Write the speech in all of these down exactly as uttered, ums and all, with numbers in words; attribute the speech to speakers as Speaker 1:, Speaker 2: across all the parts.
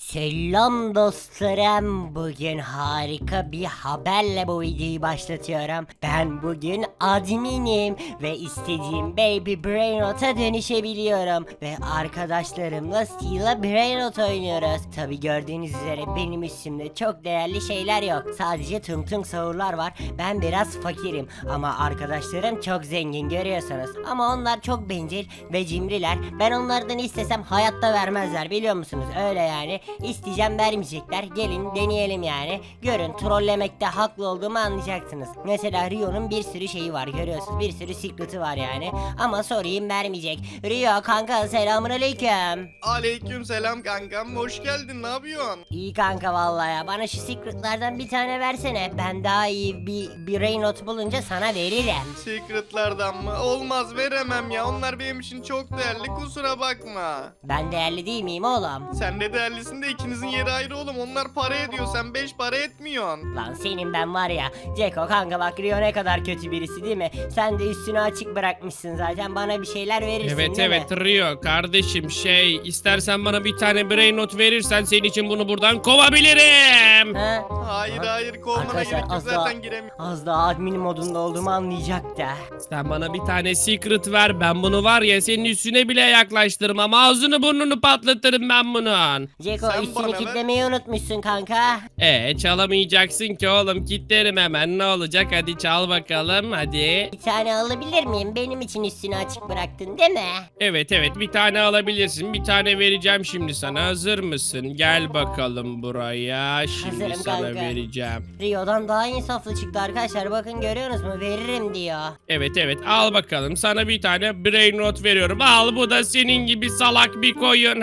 Speaker 1: Selam dostlarım. Bugün harika bir haberle bu videoyu başlatıyorum. Ben bugün adminim ve istediğim Baby Brainrot'a dönüşebiliyorum. Ve arkadaşlarımla Steel'a Brainrot oynuyoruz. Tabi gördüğünüz üzere benim üstümde çok değerli şeyler yok. Sadece tung tung sahurlar var. Ben biraz fakirim ama arkadaşlarım çok zengin, görüyorsunuz. Ama onlar çok bencil ve cimriler. Ben onlardan istesem hayatta vermezler, biliyor musunuz? Öyle yani. İsteyeceğim, vermeyecekler. Gelin deneyelim yani. Görün, trollemekte haklı olduğumu anlayacaksınız. Mesela Rio'nun bir sürü şeyi var, görüyorsunuz. Bir sürü secret'ı var yani. Ama sorayım, vermeyecek. Rio kanka, selamun aleyküm.
Speaker 2: Aleyküm selam kankam, hoş geldin, ne yapıyorsun?
Speaker 1: İyi kanka vallahi ya. Bana şu secret'lardan bir tane versene. Ben daha iyi bir bir not bulunca sana veririm.
Speaker 2: Secretlardan mı? Olmaz, veremem ya, onlar benim için çok değerli, kusura bakma.
Speaker 1: Ben değerli değil miyim oğlum?
Speaker 2: Sen de değerlisin de ikinizin yeri ayrı oğlum, onlar para ediyor, sen beş para etmiyorsun.
Speaker 1: Lan senin ben var ya. Ceko kanka bak, Rio ne kadar kötü birisi değil mi? Sen de üstünü açık bırakmışsın zaten. Bana bir şeyler verirsin
Speaker 3: Evet
Speaker 1: değil
Speaker 3: evet
Speaker 1: mi?
Speaker 3: Rio kardeşim, şey istersen bana bir tane brain not verirsen senin için bunu buradan kovabilirim.
Speaker 1: Ha?
Speaker 2: Hayır
Speaker 1: Lan,
Speaker 2: hayır, kovmana
Speaker 1: arkadaşlar,
Speaker 2: gerek yok,
Speaker 1: az daha-
Speaker 2: zaten giremiyorum.
Speaker 1: Az daha admin modunda olduğumu anlayacak da.
Speaker 3: Sen bana bir tane secret ver, ben bunu var ya senin üstüne bile yaklaştırmam, ağzını burnunu patlatırım ben bunun.
Speaker 1: Ceko
Speaker 2: Sen
Speaker 1: üstünü
Speaker 2: bana ver.
Speaker 1: kitlemeyi unutmuşsun kanka.
Speaker 3: E çalamayacaksın ki oğlum, kilitlerim hemen, ne olacak, hadi çal bakalım hadi.
Speaker 1: Bir tane alabilir miyim? Benim için üstünü açık bıraktın değil mi?
Speaker 3: Evet evet, bir tane alabilirsin, bir tane vereceğim şimdi sana, hazır mısın? Gel bakalım buraya, şimdi
Speaker 1: Hazırım
Speaker 3: sana
Speaker 1: kanka.
Speaker 3: vereceğim.
Speaker 1: Rio'dan daha insaflı çıktı arkadaşlar. Bakın, görüyorsunuz mu? Veririm diyor.
Speaker 3: Evet evet, al bakalım, sana bir tane brain not veriyorum, al, bu da senin gibi salak bir koyun.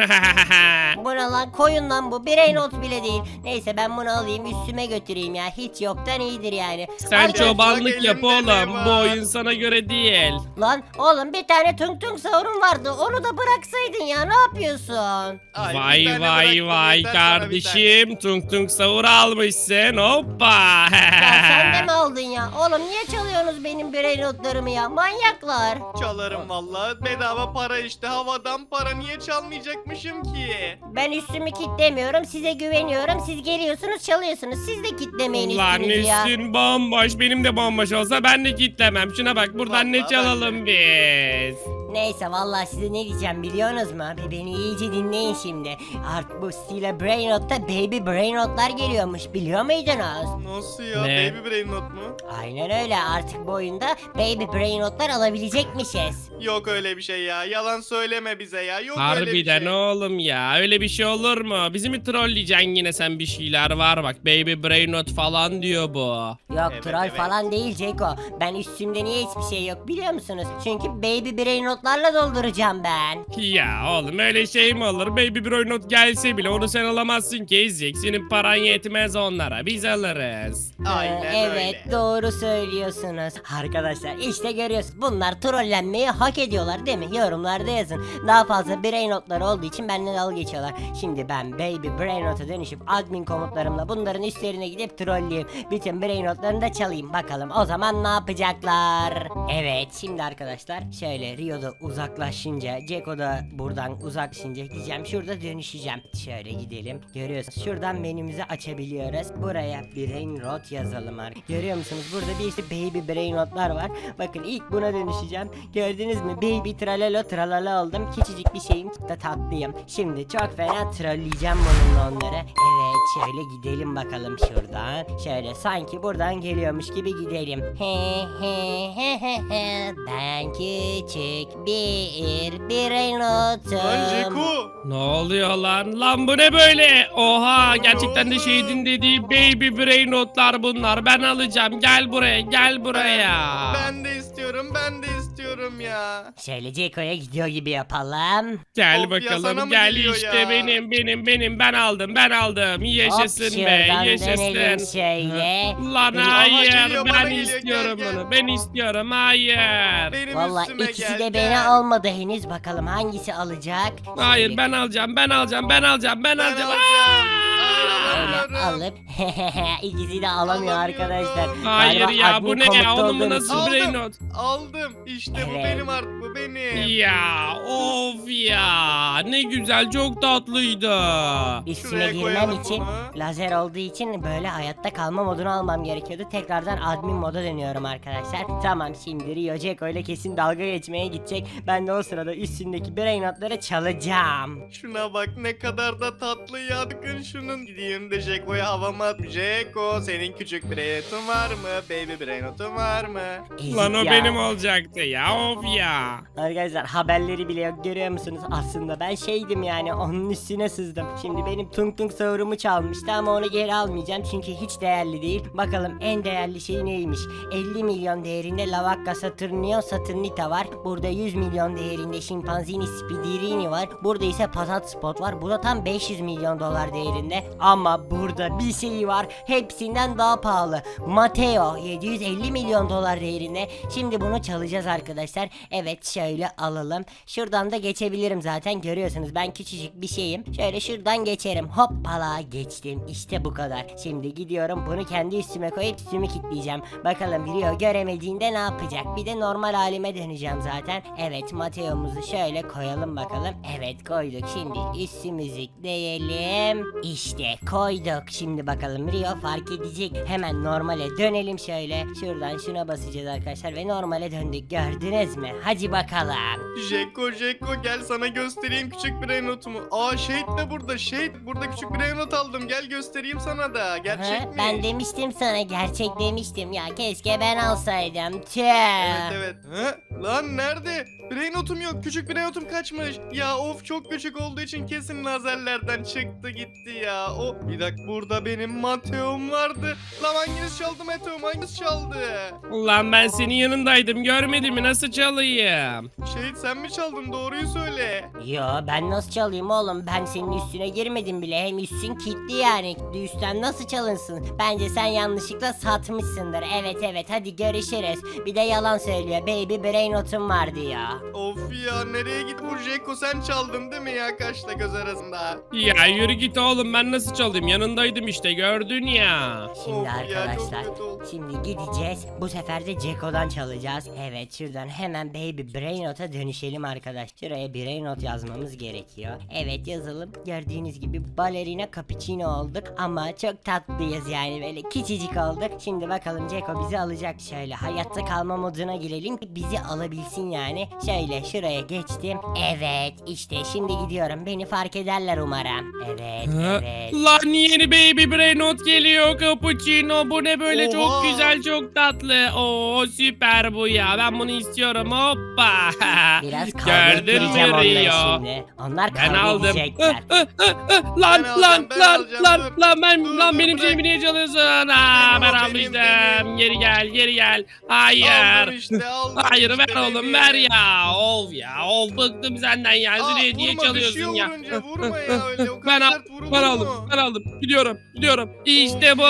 Speaker 1: Bu ne lan? Koyun lan bu. Birey not bile değil. Neyse, ben bunu alayım üstüme götüreyim ya. Hiç yoktan iyidir yani.
Speaker 3: Sen
Speaker 1: Arkadaşlar-
Speaker 3: çobanlık yap
Speaker 2: elimde ne
Speaker 3: oğlum, bu
Speaker 2: var?
Speaker 3: oyun sana göre değil.
Speaker 1: Lan oğlum, bir tane tung tung sahurun vardı. Onu da bıraksaydın ya. Ne yapıyorsun?
Speaker 2: Ay, bir
Speaker 3: Vay
Speaker 2: tane
Speaker 3: vay
Speaker 2: bıraktım,
Speaker 3: vay
Speaker 2: yeter sana bir
Speaker 3: kardeşim, tung tung sahur almışsın, hoppa.
Speaker 1: Ya sen de mi aldın ya? Oğlum niye çalıyorsunuz benim birey notlarımı ya? Manyaklar.
Speaker 2: tane. Çalarım vallahi, bedava para işte, havadan para, niye çalmayacakmışım ki?
Speaker 1: Ben üstümü kitlemiyorum. Size güveniyorum. Siz geliyorsunuz, çalıyorsunuz. Siz de kitlemeyin
Speaker 3: Lan
Speaker 1: üstünüzü ya.
Speaker 3: üstün bomboş, benim de bomboş olsa ben de kitlemem. Şuna bak, buradan ne
Speaker 2: Vallahi
Speaker 3: çalalım biz.
Speaker 1: Neyse, vallahi size ne diyeceğim biliyorsunuz mu? Bir beni iyice dinleyin şimdi. Artık bu Steel'a Brainrot'ta Baby Brainrot'lar geliyormuş, biliyor muydunuz?
Speaker 2: Nasıl ya,
Speaker 3: Ne?
Speaker 2: baby brain not mu?
Speaker 1: Aynen öyle, artık bu oyunda Baby Brainrot'lar alabilecekmişiz.
Speaker 2: Yok öyle bir şey ya, yalan söyleme bize ya, yok öyle bir
Speaker 3: Harbiden
Speaker 2: şey.
Speaker 3: oğlum ya, öyle bir şey olur mu? Bizi mi trolleyeceksin yine, sen bir şeyler var bak, baby brain not falan diyor bu.
Speaker 1: Yok,
Speaker 2: Evet,
Speaker 1: troll
Speaker 2: evet.
Speaker 1: falan değil Ceko. Ben üstümde niye hiçbir şey yok biliyor musunuz? Çünkü Baby Brainrot'larla dolduracağım ben.
Speaker 3: Ya oğlum, öyle şey mi olur? Baby brain not gelse bile onu sen alamazsın ki Ezik. Senin paran yetmez onlara, biz alırız.
Speaker 2: Aynen
Speaker 1: Ee, evet,
Speaker 2: öyle.
Speaker 1: doğru söylüyorsunuz. Arkadaşlar işte görüyorsunuz, bunlar trollenmeyi hak ediyorlar değil mi? Yorumlarda yazın. Daha fazla brain notları olduğu için benden dalga geçiyorlar. Şimdi ben Baby Brain Not'a dönüşüp admin komutlarımla bunların üstlerine gidip trolleyeyim. Bütün brain notlarını da çalayım. Bakalım o zaman ne yapacaklar? Evet, şimdi arkadaşlar şöyle Rio'da uzaklaşınca, Ceko da buradan uzaklaşınca gideceğim. Şurada dönüşeceğim. Şöyle gidelim. Görüyorsunuz, şuradan menümüzü açabiliyoruz. Buraya brain rot yazalım artık. Görüyor musunuz? Burada bir işte baby brain notlar var. Bakın, ilk buna dönüşeceğim. Gördünüz mü? Baby tralalo tralala oldum. Küçücük bir şeyim da tatlıyım. Şimdi çok fena trolleyeceğim bununla onları. Evet, şöyle gidelim bakalım şuradan. Şöyle sanki buradan geliyormuş gibi gidelim. He he he he he. Ben küçük bir brain
Speaker 2: Lan
Speaker 1: notum.
Speaker 2: Jeku.
Speaker 3: Ne oluyor lan? Lan bu ne böyle? Oha, gerçekten de
Speaker 2: oldu?
Speaker 3: şehidin dediği baby brain notlar bunlar. Ben alacağım. Gel buraya, gel buraya.
Speaker 2: Ben de istiyorum, ben de istiyorum ya.
Speaker 1: Şöyle Ceko'ya gidiyor gibi yapalım.
Speaker 3: Gel
Speaker 2: Of ya, sana
Speaker 3: bakalım,
Speaker 2: mı
Speaker 3: gel
Speaker 2: geliyor
Speaker 3: işte,
Speaker 2: ya?
Speaker 3: benim benim benim, ben aldım ben aldım, yaşasın
Speaker 1: Hop,
Speaker 3: be,
Speaker 1: şuradan dönelim
Speaker 3: yaşasın.
Speaker 1: şöyle.
Speaker 3: Lan
Speaker 1: Benim-
Speaker 3: hayır,
Speaker 2: geliyor, bana
Speaker 3: ben
Speaker 2: geliyor,
Speaker 3: istiyorum
Speaker 2: gel, gel.
Speaker 3: bunu, ben istiyorum, hayır.
Speaker 2: Benim
Speaker 1: Vallahi
Speaker 2: üstüme
Speaker 1: ikisi
Speaker 2: gel,
Speaker 1: de
Speaker 2: gel.
Speaker 1: beni almadı henüz. Bakalım hangisi alacak.
Speaker 3: Hayır,
Speaker 1: Şöyle-
Speaker 3: ben alacağım ben alacağım ben alacağım ben
Speaker 2: Ben
Speaker 3: alacağım.
Speaker 2: alacağım.
Speaker 3: Aa!
Speaker 1: Öyle
Speaker 2: alamıyorum.
Speaker 1: alıp ikisi de alamıyor
Speaker 2: Alamıyorum.
Speaker 1: arkadaşlar.
Speaker 3: Hayır
Speaker 1: Galiba
Speaker 3: ya
Speaker 1: admin
Speaker 3: bu ne ya
Speaker 1: komutta
Speaker 3: oğlum bu
Speaker 1: olduğum
Speaker 3: nasıl
Speaker 1: için.
Speaker 3: brain not?
Speaker 2: Aldım. İşte bu
Speaker 1: Evet.
Speaker 2: benim artık, bu benim.
Speaker 3: Ya of ya ne güzel çok tatlıydı.
Speaker 1: Üstüne
Speaker 2: Şuraya
Speaker 1: girmem
Speaker 2: koyalım
Speaker 1: için
Speaker 2: bunu.
Speaker 1: lazer olduğu için böyle hayatta kalma modunu almam gerekiyordu. Tekrardan admin moda dönüyorum arkadaşlar. Tamam, şimdi Rio Ceko ile kesin dalga geçmeye gidecek. Ben de o sırada üstündeki brain notları çalacağım.
Speaker 2: Şuna bak ne kadar da tatlı ya. Bakın şunun. Gideyim de Jeko'ya havama at. Jeko, senin küçük brainotun var mı? Baby brainotun var mı?
Speaker 1: Ezik
Speaker 3: Lan o
Speaker 1: ya.
Speaker 3: benim olacaktı ya of ya.
Speaker 1: Arkadaşlar haberleri bile yok, görüyor musunuz? Aslında ben şeydim yani, onun üstüne sızdım. Şimdi benim tung tung savurumu çalmıştı ama onu geri almayacağım çünkü hiç değerli değil. Bakalım en değerli şey neymiş? elli milyon değerinde Lavacca Saturnio Saturnita var. Burada yüz milyon değerinde Scimpanzini Spidirini var. Burada ise Patat Spot var. Bu da tam beş yüz milyon dolar değerinde. Ama burada bir şey var. Hepsinden daha pahalı. Mateo yedi yüz elli milyon dolar değerinde. Şimdi bunu çalacağız arkadaşlar. Evet, şöyle alalım. Şuradan da geçebilirim zaten. Görüyorsunuz ben küçücük bir şeyim. Şöyle şuradan geçerim. Hoppala, geçtim. İşte bu kadar. Şimdi gidiyorum bunu kendi üstüme koyup üstümü kilitleyeceğim. Bakalım Rio göremediğinde ne yapacak? Bir de normal halime döneceğim zaten. Evet, Mateo'muzu şöyle koyalım bakalım. Evet, koyduk. Şimdi üstümüzü diyelim. İşte koyduk. Şimdi bakalım Rio fark edecek. Hemen normale dönelim şöyle. Şuradan şuna basacağız arkadaşlar ve normale döndük. Gördünüz mü? Hadi bakalım.
Speaker 2: Jeko, Jeko gel sana göstereyim küçük brainotumu. Aa, Shade de burada. Shade, burada küçük brainot aldım. Gel göstereyim sana da. Gerçek
Speaker 1: Ha,
Speaker 2: mi?
Speaker 1: ben demiştim sana, gerçek demiştim ya, keşke ben alsaydım. Tüh.
Speaker 2: Evet evet. Ha? Lan nerede? Brainotum yok. Küçük brainotum kaçmış. Ya of, çok küçük olduğu için kesin lazerlerden çıktı gitti ya. O bir dakika, burada benim Mateo'm vardı. Lan hanginiz çaldı Mateo'm? Hanginiz çaldı?
Speaker 3: Lan ben senin yanındaydım görmedin mi nasıl çalayım?
Speaker 2: Şehit sen mi çaldın? Doğruyu söyle.
Speaker 1: Yo, ben nasıl çalayım oğlum, ben senin üstüne girmedim bile, hem üstün kilitli yani, üstten nasıl çalınsın? Bence sen yanlışlıkla satmışsındır. Evet evet, hadi görüşürüz. Bir de yalan söylüyor, baby brainotum var diyor.
Speaker 2: Of ya, nereye git bu Jeko, sen çaldın değil mi ya, kaşla göz arasında?
Speaker 3: Ya yürü git oğlum ben nasıl çalayım yanındaydım işte gördün ya.
Speaker 1: Şimdi
Speaker 2: Of ya,
Speaker 1: arkadaşlar,
Speaker 2: çok kötü oldu.
Speaker 1: şimdi gideceğiz. Bu sefer de Ceko'dan çalacağız. Evet, şuradan hemen Baby Brainot'a dönüşelim arkadaş. Şuraya Brainot yazmamız gerekiyor. Evet, yazalım. Gördüğünüz gibi balerina cappuccino olduk. Ama çok tatlıyız yani, böyle küçücük olduk. Şimdi bakalım Ceko bizi alacak. Şöyle hayatta kalma moduna girelim ki bizi alabilsin yani. Şöyle şuraya geçtim. Evet, işte şimdi gidiyorum. Beni fark ederler umarım. Evet,
Speaker 3: Ha?
Speaker 1: evet.
Speaker 3: Lan yeni baby brain not geliyor cappuccino bu ne böyle
Speaker 2: Oha.
Speaker 3: çok güzel çok tatlı. Oo süper bu ya ben bunu istiyorum hoppa.
Speaker 1: Biraz kavga
Speaker 3: Gördün
Speaker 1: ettireceğim
Speaker 3: mü
Speaker 1: onları
Speaker 3: Rio?
Speaker 1: şimdi. Onlar
Speaker 3: Ben
Speaker 1: kavga
Speaker 3: aldım.
Speaker 1: edecekler.
Speaker 3: Ih, ih, ih, ih. Lan
Speaker 2: Ben alacağım,
Speaker 3: lan
Speaker 2: ben
Speaker 3: lan
Speaker 2: alacağım,
Speaker 3: lan
Speaker 2: dur.
Speaker 3: lan ben
Speaker 2: Dur,
Speaker 3: lan
Speaker 2: dur,
Speaker 3: benim
Speaker 2: bırak.
Speaker 3: şeyimi niye çalıyorsun? Aa,
Speaker 2: Benim
Speaker 3: ben
Speaker 2: o, benim,
Speaker 3: almıştım.
Speaker 2: benim.
Speaker 3: Geri gel geri gel.
Speaker 2: Aldım
Speaker 3: Hayır.
Speaker 2: işte, aldım
Speaker 3: Hayır
Speaker 2: işte
Speaker 3: ver oğlum
Speaker 2: bebeğim.
Speaker 3: ver ya. Of ya of bıktım senden ya.
Speaker 2: Aa,
Speaker 3: Züleyha niye
Speaker 2: vurma,
Speaker 3: çalıyorsun
Speaker 2: düşüyor
Speaker 3: ya?
Speaker 2: vurunca, vurma ya öyle, o
Speaker 3: Ben,
Speaker 2: kadar
Speaker 3: al,
Speaker 2: sert vurulur
Speaker 3: ben
Speaker 2: mu?
Speaker 3: aldım ben aldım gidiyorum gidiyorum işte
Speaker 2: Of
Speaker 3: bu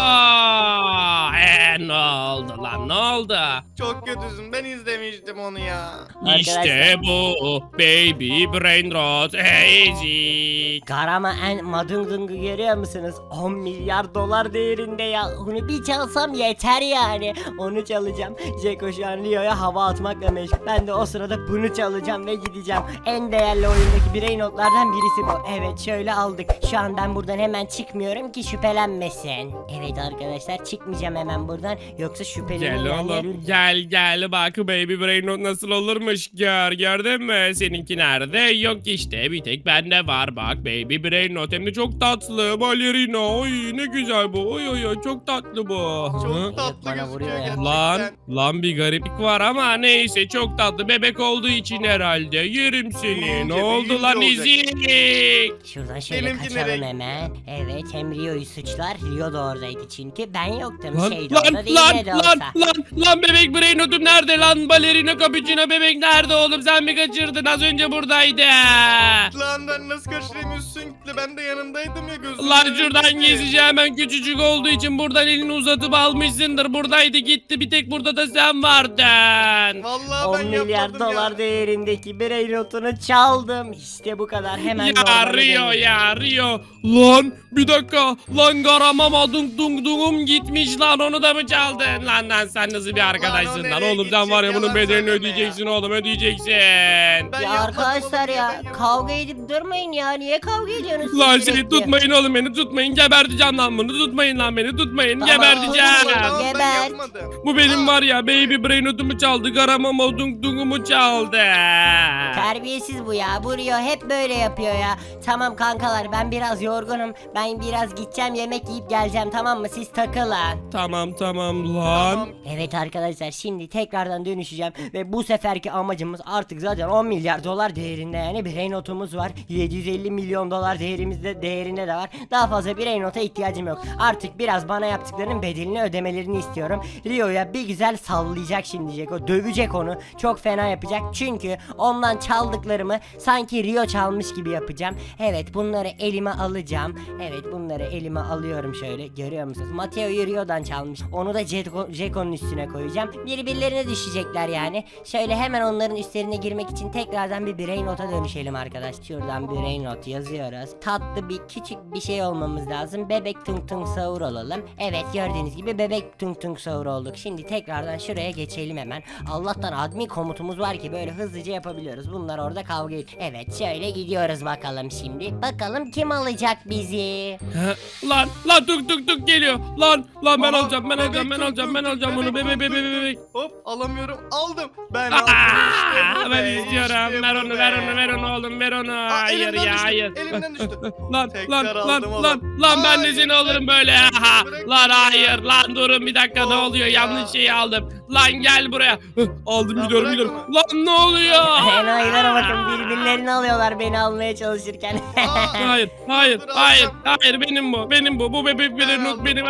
Speaker 2: ya.
Speaker 3: Eee ne oldu lan ne oldu
Speaker 2: Çok kötüsün, ben izlemiştim onu ya.
Speaker 3: işte
Speaker 1: Arkadaşlar,
Speaker 3: bu baby brain rot easy
Speaker 1: Garama en madungdungu görüyor musunuz? on milyar dolar değerinde ya. Onu bir çalsam yeter yani. Onu çalacağım. Jeko şu an Rio'ya hava atmakla meşgul. Ben de o sırada bunu çalacağım ve gideceğim. En değerli oyundaki birey notlardan birisi bu. Evet, şöyle aldık. Şu an ben buradan hemen çıkmıyorum ki şüphelenmesin. Evet arkadaşlar, çıkmayacağım hemen buradan. Yoksa
Speaker 3: gel
Speaker 1: şüphelenirler.
Speaker 3: oğlum gel gel bak baby brain rot nasıl olurmuş gör gördün mü seninki nerede yok işte bir tek bende var bak baby brain rot hem de çok tatlı balerina oy ne güzel bu oy oy oy çok tatlı bu
Speaker 2: Çok
Speaker 3: Hı?
Speaker 2: tatlı
Speaker 1: Bana
Speaker 2: gözüküyor
Speaker 1: vuruyor ya.
Speaker 2: gerçekten.
Speaker 3: Lan lan bir gariplik var ama neyse çok tatlı bebek olduğu için herhalde yerim seni
Speaker 2: Büyüyünce,
Speaker 3: ne oldu lan
Speaker 2: büyüyünce
Speaker 3: ezik
Speaker 1: Şuradan şöyle
Speaker 2: Benimki
Speaker 1: kaçalım
Speaker 2: nereye
Speaker 1: hemen. Evet, hem Rio'yu suçlar. Rio da oradaydı çünkü. Ben yoktum.
Speaker 3: lan
Speaker 1: şey de
Speaker 3: lan
Speaker 1: orada değil,
Speaker 3: lan
Speaker 1: ne de
Speaker 3: lan
Speaker 1: olsa.
Speaker 3: lan lan bebek brain notum nerede lan balerina cappuccino bebek nerede oğlum sen mi kaçırdın az önce buradaydı
Speaker 2: Lan ben nasıl kaçırayım, üstün gitti, ben de yanındaydım ya, gözüm.
Speaker 3: lan
Speaker 2: önüne
Speaker 3: şuradan
Speaker 2: gitti.
Speaker 3: gezeceğim hemen küçücük olduğu için buradan elini uzatıp almışsındır buradaydı gitti bir tek burada da sen vardın
Speaker 2: Vallahi
Speaker 1: on
Speaker 2: ben yaptım, çaldım
Speaker 1: dolar
Speaker 2: ya.
Speaker 1: değerindeki birey notunu çaldım. İşte bu kadar, hemen
Speaker 3: Ya
Speaker 1: normale
Speaker 3: Rio
Speaker 1: döndüm.
Speaker 3: ya Rio. Lan bir dakika. Lan garamama dung dung dungum gitmiş lan, onu da mı çaldın? Lan lan sen nasıl bir arkadaşsın lan?
Speaker 2: nereye
Speaker 3: Oğlum sen var ya
Speaker 2: gidecek?
Speaker 3: bunun
Speaker 2: Yalan
Speaker 3: bedelini
Speaker 2: söyleme
Speaker 3: ödeyeceksin oğlum, ödeyeceksin.
Speaker 2: Ben
Speaker 1: Ya
Speaker 2: yapmadım
Speaker 1: arkadaşlar
Speaker 2: oğlum,
Speaker 1: ya
Speaker 2: ben yapmadım.
Speaker 1: kavga edip durmayın ya. Niye kavga ediyorsunuz
Speaker 3: Lan
Speaker 1: siz
Speaker 3: seni
Speaker 1: sürekli?
Speaker 3: tutmayın oğlum, beni tutmayın, geberteceğim lan bunu, tutmayın lan beni, tutmayın,
Speaker 1: Tamam,
Speaker 3: geberteceğim.
Speaker 1: tutmayın.
Speaker 2: Tamam, ben
Speaker 1: Geber.
Speaker 2: yapmadım.
Speaker 3: Bu benim
Speaker 2: Aa,
Speaker 3: var ya baby brain notumu çaldı, garamama dung dungumu çaldı.
Speaker 1: Terbiyesiz bu ya. Bu Rio hep böyle yapıyor ya. Tamam kankalar, ben biraz yorgunum. Ben biraz gideceğim, yemek yiyip geleceğim, tamam mı? Siz takılın.
Speaker 3: Tamam tamam lan.
Speaker 2: Tamam.
Speaker 1: Evet arkadaşlar, şimdi tekrardan dönüşeceğim ve bu seferki amacımız artık zaten on milyar dolar değerinde, yani birey notumuz var. yedi yüz elli milyon dolar değerimizde değerinde de var. Daha fazla birey nota ihtiyacım yok. Artık biraz bana yaptıklarının bedelini ödemelerini istiyorum. Rio'ya bir güzel sallayacak şimdi Ceko. Dövecek onu. Çok fena yapacak. Çünkü ondan çaldıklarımı sanki Rio çalmış gibi yapacağım. Evet, bunları elime alacağım. Evet, bunları elime alıyorum şöyle. Görüyor musunuz? Mateo'yu Rio'dan çalmış. Onu da Ceko, Ceko'nun üstüne koyacağım. Birbirlerine düşecekler yani. Şöyle hemen onların üstlerine girmek için tekrardan bir birey nota dönüşelim arkadaş. Şuradan birey not yazıyoruz. Tatlı bir küçük bir şey olmamız lazım. Bebek tung tung sahur olalım. Evet, gördüğünüz gibi bebek tung tung sahur olduk. Şimdi tekrardan şuraya geçelim hemen. Allah'tan admin komutumuz var ki böyle hızlıca yapabiliyoruz. Bunlar orada kavga ediyor. Evet, şöyle gidiyoruz bakalım şimdi. Bakalım kim alacak bizi?
Speaker 3: Ha, lan lan tuk tuk tuk geliyor. Lan lan ben
Speaker 2: Aha,
Speaker 3: alacağım, ben
Speaker 2: bebek
Speaker 3: alacağım, ben
Speaker 2: tuk
Speaker 3: alacağım,
Speaker 2: tuk
Speaker 3: ben
Speaker 2: tuk,
Speaker 3: alacağım bunu.
Speaker 2: bebek
Speaker 3: Bebe bebe
Speaker 2: tuk tuk
Speaker 3: bebek.
Speaker 2: Hop, alamıyorum. Aldım. Ben
Speaker 3: Aa,
Speaker 2: aldım. İşte bu
Speaker 3: ben
Speaker 2: be,
Speaker 3: istiyorum.
Speaker 2: işte
Speaker 3: Ver
Speaker 2: bu
Speaker 3: onu,
Speaker 2: be.
Speaker 3: ver onu, ver onu oğlum, ver onu. Hayır
Speaker 2: elimden
Speaker 3: ya,
Speaker 2: düştü,
Speaker 3: hayır.
Speaker 2: elimden düştü.
Speaker 3: Lan
Speaker 2: Tekrar
Speaker 3: lan
Speaker 2: aldım
Speaker 3: lan
Speaker 2: oğlum.
Speaker 3: lan lan ben de
Speaker 2: Hayır,
Speaker 3: seni alırım
Speaker 2: bırak
Speaker 3: böyle.
Speaker 2: beni,
Speaker 3: Aha.
Speaker 2: bırak
Speaker 3: Lan
Speaker 2: beni.
Speaker 3: hayır lan, durun bir dakika, ne
Speaker 2: Of
Speaker 3: oluyor?
Speaker 2: ya.
Speaker 3: Yanlış şeyi aldım. Lan gel buraya. Hıh, aldım,
Speaker 2: Lan
Speaker 3: gidiyorum
Speaker 2: bırak
Speaker 3: gidiyorum.
Speaker 2: onu.
Speaker 3: Lan ne oluyor?
Speaker 1: Enayilere bakın, birbirlerini alıyorlar beni almaya çalışırken.
Speaker 2: Aa,
Speaker 3: Hayır, hayır,
Speaker 2: Dur,
Speaker 3: hayır,
Speaker 2: alacağım.
Speaker 3: hayır, benim bu, benim bu, bu bebek
Speaker 2: Ben
Speaker 3: bir not
Speaker 2: aldım.
Speaker 3: benim.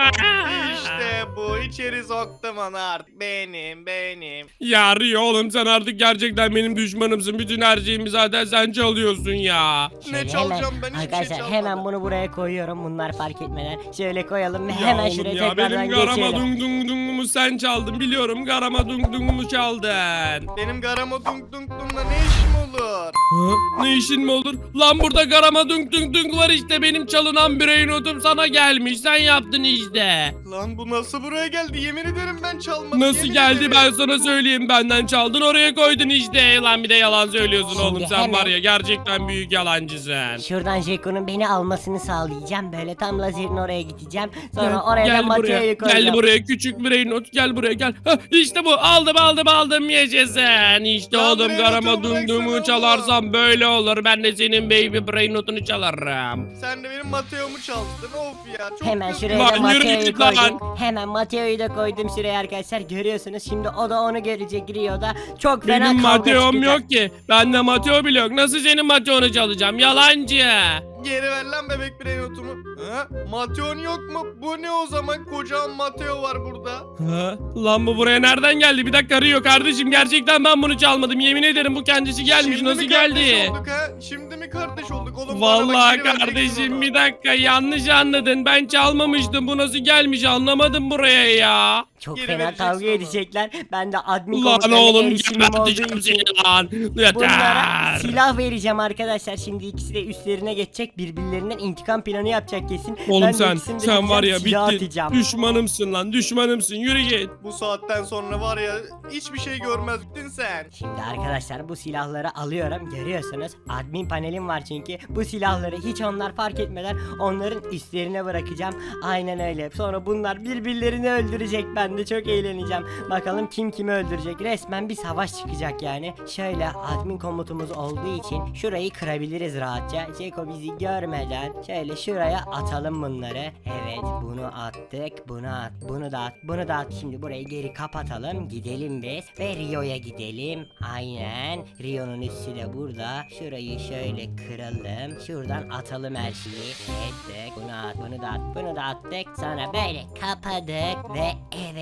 Speaker 2: İşte bu. İçeri soktum onu artık. Benim, benim.
Speaker 3: Ya Rio oğlum, sen artık gerçekten benim düşmanımsın. Bütün her şeyimi zaten sen çalıyorsun ya.
Speaker 1: Şöyle
Speaker 2: Ne çalacağım ben? Hiçbir şey
Speaker 1: arkadaşlar
Speaker 2: çalmadım.
Speaker 1: hemen bunu buraya koyuyorum, bunlar fark etmeden. Şöyle koyalım ve
Speaker 3: Ya
Speaker 1: hemen
Speaker 3: oğlum
Speaker 1: şuraya
Speaker 3: ya,
Speaker 1: tekrardan
Speaker 3: benim garama
Speaker 1: geçelim.
Speaker 3: dung dung dungumu sen çaldın, biliyorum, garama dung dungumu çaldın.
Speaker 2: Benim garama dunk dunk dunkla ne işim olur?
Speaker 3: Ha? Ne işin mi olur? Lan burada garama dung dung dung var işte, benim çalınan birey notum sana gelmiş, sen yaptın işte.
Speaker 2: Lan bu nasıl buraya geldi? Yemin ederim ben çalmadım.
Speaker 3: Nasıl
Speaker 2: yemin
Speaker 3: geldi
Speaker 2: ederim.
Speaker 3: ben sana söyleyeyim, benden çaldın oraya koydun işte. Lan bir de yalan söylüyorsun
Speaker 1: Şimdi
Speaker 3: oğlum, sen
Speaker 1: hemen-
Speaker 3: var ya gerçekten büyük yalancısın.
Speaker 1: Şuradan Jeko'nun beni almasını sağlayacağım. Böyle tam lazerin oraya gideceğim. Sonra
Speaker 3: Gel,
Speaker 1: oraya da
Speaker 3: gel buraya.
Speaker 1: Mateo'yu koyacağım.
Speaker 3: Gel buraya küçük birey not, gel buraya gel. Hah, işte bu, aldım aldım aldım, yaşasın. İşte
Speaker 2: Ya
Speaker 3: oğlum,
Speaker 2: birey
Speaker 3: garama
Speaker 2: notumu bıraksana
Speaker 3: dumdumu
Speaker 2: oğlum.
Speaker 3: çalarsam böyle olur. Ben de senin baby brain notunu çalarım.
Speaker 2: Sen de benim Mateo'mu çaldın. Of ya. Çok
Speaker 1: Hemen
Speaker 2: kızdım.
Speaker 1: şuraya da
Speaker 3: Lan yürü
Speaker 1: Mateo'yu
Speaker 3: git lan.
Speaker 1: koydum. Hemen Mateo'yu da koydum şuraya arkadaşlar. Görüyorsunuz, şimdi o da onu görecek Rio'da. Çok fena
Speaker 3: Benim
Speaker 1: kavga
Speaker 3: Mateo'm
Speaker 1: çıkacak.
Speaker 3: yok ki. Bende Mateo bile yok. Nasıl senin Mateo'nu çalacağım? Yalancı.
Speaker 2: Geri ver lan bebek birey notumu. Ha? Mateo'n yok mu? Bu ne o zaman? Kocaman Mateo var burada.
Speaker 3: Ha? Lan bu buraya nereden geldi? Bir dakika Rio kardeşim, gerçekten ben bunu çalmadım. Yemin ederim bu kendisi gelmiş.
Speaker 2: Şimdi
Speaker 3: Nasıl
Speaker 2: mi kardeş
Speaker 3: geldi?
Speaker 2: olduk ha? Şimdi mi kardeş olduk oğlum? Bana bak,
Speaker 3: Vallahi
Speaker 2: geri vereceksin
Speaker 3: kardeşim
Speaker 2: onu.
Speaker 3: bir dakika, yanlış anladın. Ben çalmamıştım. Bu nasıl gelmiş anlamadım buraya ya.
Speaker 1: Çok
Speaker 2: Geri
Speaker 1: fena
Speaker 2: vereceksin
Speaker 1: kavga
Speaker 2: onu.
Speaker 1: edecekler. Ben de admin
Speaker 3: Lan
Speaker 1: komutanına
Speaker 3: oğlum
Speaker 1: erişimim olduğu
Speaker 3: geberteceğim
Speaker 1: için
Speaker 3: seni lan.
Speaker 1: bunlara
Speaker 3: Yeter.
Speaker 1: silah vereceğim arkadaşlar. Şimdi ikisi de üstlerine geçecek. Birbirlerinden intikam planı yapacak kesin.
Speaker 3: Oğlum
Speaker 1: Ben de
Speaker 3: sen
Speaker 1: ikisini de
Speaker 3: sen var ya
Speaker 1: gideceğim, silah
Speaker 3: bittin.
Speaker 1: atacağım.
Speaker 3: Düşmanımsın lan, düşmanımsın. Yürü git.
Speaker 2: Bu saatten sonra var ya hiçbir şey görmezdin sen.
Speaker 1: Şimdi arkadaşlar bu silahları alıyorum, görüyorsunuz. Admin panelim var çünkü. Bu silahları hiç onlar fark etmeden onların üstlerine bırakacağım. Aynen öyle. Sonra bunlar birbirlerini öldürecek. Ben de çok eğleneceğim. Bakalım kim kimi öldürecek. Resmen bir savaş çıkacak yani. Şöyle admin komutumuz olduğu için şurayı kırabiliriz rahatça. Ceko bizi görmeden şöyle şuraya atalım bunları. Evet, bunu attık. Bunu at. Bunu da at. Bunu da at. Şimdi burayı geri kapatalım. Gidelim biz. Ve Rio'ya gidelim. Aynen. Rio'nun üstü de burada. Şurayı şöyle kıralım. Şuradan atalım her şeyi. Ettik. Bunu at. Bunu da at. Bunu da attık. Sonra böyle kapadık. Ve evet,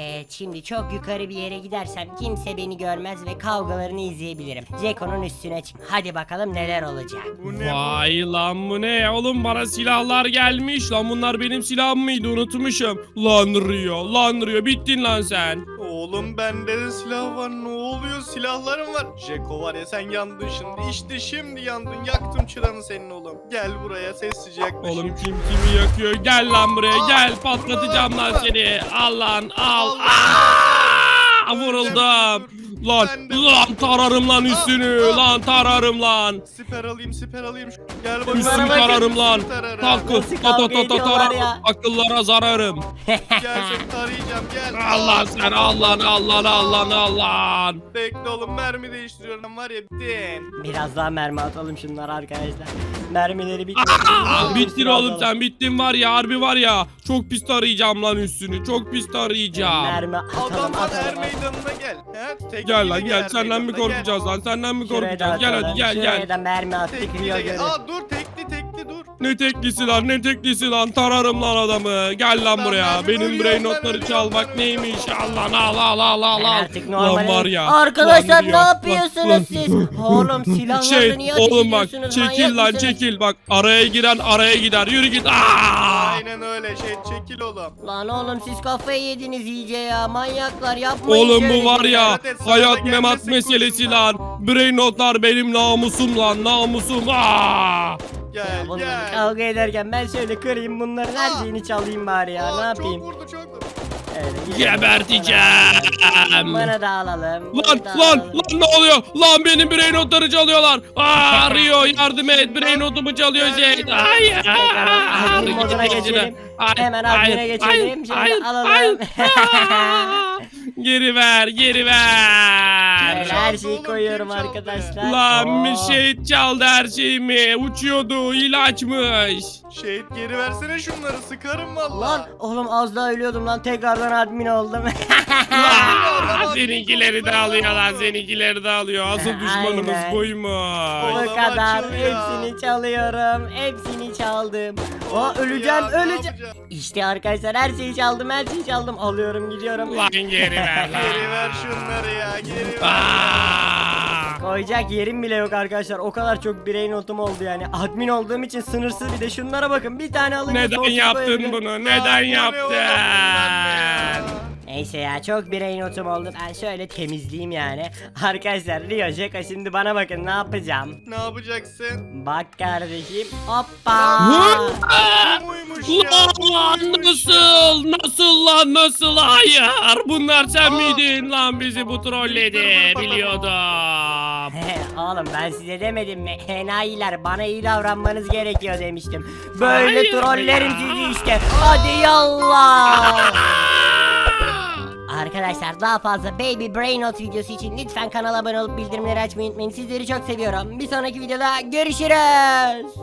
Speaker 1: Evet, şimdi çok yukarı bir yere gidersem kimse beni görmez ve kavgalarını izleyebilirim. Jeko'nun üstüne çık. Hadi bakalım neler olacak.
Speaker 2: Bu ne bu?
Speaker 3: Vay lan bu ne oğlum, bana silahlar gelmiş lan, bunlar benim silahım mıydı, unutmuşum. Lan Rio, lan Rio, bittin lan sen.
Speaker 2: Oğlum bende de silah var, ne oluyor, silahlarım var. Jeko var ya, sen yandın şimdi, işte şimdi yandın, yaktım çıranı senin oğlum. Gel buraya sessizce yaklaşayım.
Speaker 3: Oğlum kim kimi yakıyor, gel lan buraya
Speaker 2: Aa,
Speaker 3: gel, patlatacağım lan seni. Al lan al.
Speaker 2: Allah.
Speaker 3: Aa, vuruldum.
Speaker 2: Dur.
Speaker 3: Lan
Speaker 2: Ben de-
Speaker 3: lan tararım lan üstünü,
Speaker 2: Aa, aa.
Speaker 3: lan tararım lan.
Speaker 2: Siper alayım, siper alayım. Gel bakayım.
Speaker 3: Üstünü
Speaker 1: bakın.
Speaker 3: tararım lan.
Speaker 2: Tararım.
Speaker 3: Takı
Speaker 1: Nasıl
Speaker 3: ta ta
Speaker 1: kavga
Speaker 3: ta ta
Speaker 1: ediyorlar
Speaker 3: tararım.
Speaker 1: ya?
Speaker 3: Akıllara zararım.
Speaker 2: Gel seni tarayacağım, gel.
Speaker 3: Allah sen al lan al lan al lan al lan.
Speaker 2: Bekle oğlum, mermi değiştiriyorum var ya, bittin.
Speaker 1: Biraz daha mermi atalım şunlar arkadaşlar. Mermileri bitmedi.
Speaker 3: Aa, bittin oğlum sen, bittin var ya, harbi var ya. Çok pis tarayacağım lan üstünü, çok pis tarayacağım.
Speaker 1: Mermi atalım
Speaker 2: Adamlar er
Speaker 1: atalım.
Speaker 2: meydanına gel. He? Tek
Speaker 3: Gel
Speaker 2: gibi
Speaker 3: lan gel,
Speaker 2: er
Speaker 3: senden mi
Speaker 2: meydanına, gel.
Speaker 3: korkacağız lan, senden mi
Speaker 1: Şuraya da
Speaker 3: korkacağız? Gel hadi
Speaker 1: atalım.
Speaker 3: gel
Speaker 1: Şuraya
Speaker 3: gel.
Speaker 1: da mermi attık
Speaker 2: Tekli
Speaker 1: Rio
Speaker 2: de gel.
Speaker 1: görür.
Speaker 2: Aa dur, tekli tekli dur.
Speaker 3: Ne teklisi lan, ne teklisi lan, tararım lan adamı. Gel lan
Speaker 2: Ben
Speaker 3: buraya,
Speaker 2: mermi
Speaker 3: benim
Speaker 2: ölüyorum,
Speaker 3: brain
Speaker 2: ben
Speaker 3: notları
Speaker 2: ölüyorum,
Speaker 3: çalmak
Speaker 2: ben
Speaker 3: neymiş?
Speaker 2: ölüyorum.
Speaker 3: Allah al al al al
Speaker 1: Ben
Speaker 3: al.
Speaker 1: artık
Speaker 3: Lan
Speaker 1: normalim.
Speaker 3: var ya.
Speaker 1: Arkadaşlar
Speaker 3: lan
Speaker 1: ne
Speaker 3: Rio, lan-
Speaker 1: yapıyorsunuz siz? Oğlum silahları
Speaker 3: Şey
Speaker 1: niye ateş
Speaker 3: oğlum bak,
Speaker 1: ediyorsunuz?
Speaker 3: çekil
Speaker 1: Manyak
Speaker 3: lan
Speaker 1: mısınız?
Speaker 3: çekil, bak araya giren araya gider, yürü git. Aa!
Speaker 2: Aynen öyle, şey çekil oğlum.
Speaker 1: Lan oğlum siz kafayı yediniz iyice ya. Manyaklar yapmayın
Speaker 3: Oğlum
Speaker 1: şöyle
Speaker 3: bu var
Speaker 1: şeyler.
Speaker 3: ya,
Speaker 2: Dikkat et, sana da
Speaker 3: hayat
Speaker 2: gelmesin
Speaker 3: memat meselesi
Speaker 2: kurşunlar.
Speaker 3: lan. Brain notlar benim namusum lan, namusum. Aa!
Speaker 2: Gel
Speaker 1: Bunlar
Speaker 2: gel.
Speaker 1: kavga ederken ben şöyle kırayım bunların her şeyini çalayım bari ya.
Speaker 2: Aa,
Speaker 1: Ne yapayım?
Speaker 2: Çok vurdu, çok vurdu.
Speaker 1: Öyle,
Speaker 3: Geberteceğim.
Speaker 1: Bana da alalım.
Speaker 3: Lan
Speaker 1: bana da
Speaker 3: lan
Speaker 1: alalım.
Speaker 3: lan ne oluyor? Lan benim brain notları çalıyorlar. Aa Rio yardım et, brain notumu çalıyor Jade. Hayır.
Speaker 1: Tekrardan admin moduna geçelim. Hemen admin'e geçelim. Şimdi alalım.
Speaker 3: Geri ver, geri ver.
Speaker 1: Evet,
Speaker 2: Kim
Speaker 1: her
Speaker 2: çaldı
Speaker 1: şeyi
Speaker 2: oğlum,
Speaker 1: koyuyorum
Speaker 2: kim çaldı?
Speaker 1: arkadaşlar.
Speaker 3: Lan bir
Speaker 1: Oo.
Speaker 3: şey çaldı her şeyimi. Uçuyordu, ilaçmış.
Speaker 2: Şehit geri versene şunları, sıkarım valla.
Speaker 1: Lan oğlum az daha ölüyordum lan tekrardan admin oldum.
Speaker 3: Lan seninkileri de alıyorlar, seninkileri de alıyor. Asıl düşmanımız
Speaker 1: Aynen.
Speaker 3: buymuş.
Speaker 1: Bu
Speaker 2: Oğlum,
Speaker 1: kadar
Speaker 2: açıl ya.
Speaker 1: hepsini çalıyorum. Hepsini çaldım. Aa
Speaker 2: Of
Speaker 1: öleceğim
Speaker 2: ya, ne
Speaker 1: öleceğim.
Speaker 2: yapacağım?
Speaker 1: İşte arkadaşlar her şeyi çaldım her şeyi çaldım. Alıyorum gidiyorum.
Speaker 3: Lan geri ver lan.
Speaker 2: Geri ver şunları ya, geri ver.
Speaker 3: Aa!
Speaker 1: Koyacak yerim bile yok arkadaşlar. O kadar çok birey notum oldu yani. Admin olduğum için sınırsız bir de şunlara bakın. Bir tane alınca
Speaker 3: Neden
Speaker 1: sonsuz
Speaker 3: yaptın
Speaker 1: koyabilirim.
Speaker 3: bunu?
Speaker 2: Lan
Speaker 3: Neden
Speaker 2: bu ne oğlum, bunlar ne ya?
Speaker 3: yaptın?
Speaker 1: Neyse ya çok birey notum oldu. Ben şöyle temizleyeyim yani. Arkadaşlar Rio Jeka şimdi bana bakın ne yapacağım.
Speaker 2: Ne yapacaksın?
Speaker 1: Bak kardeşim. Hoppa.
Speaker 2: Bu muymuş ya? Bu
Speaker 3: Lan
Speaker 2: muymuş
Speaker 3: nasıl? Nasıl lan nasıl? Hayır. Bunlar sen
Speaker 2: Aa.
Speaker 3: miydin lan, bizi bu trolledi biliyordum.
Speaker 1: Oğlum ben size demedim mi? Enayiler bana iyi davranmanız gerekiyor demiştim. Böyle
Speaker 3: Hayır
Speaker 1: trollerim
Speaker 3: ya.
Speaker 1: sizi işte. Hadi yallah. Arkadaşlar daha fazla Baby Brain Not videosu için lütfen kanala abone olup bildirimleri açmayı unutmayın. Sizleri çok seviyorum. Bir sonraki videoda görüşürüz.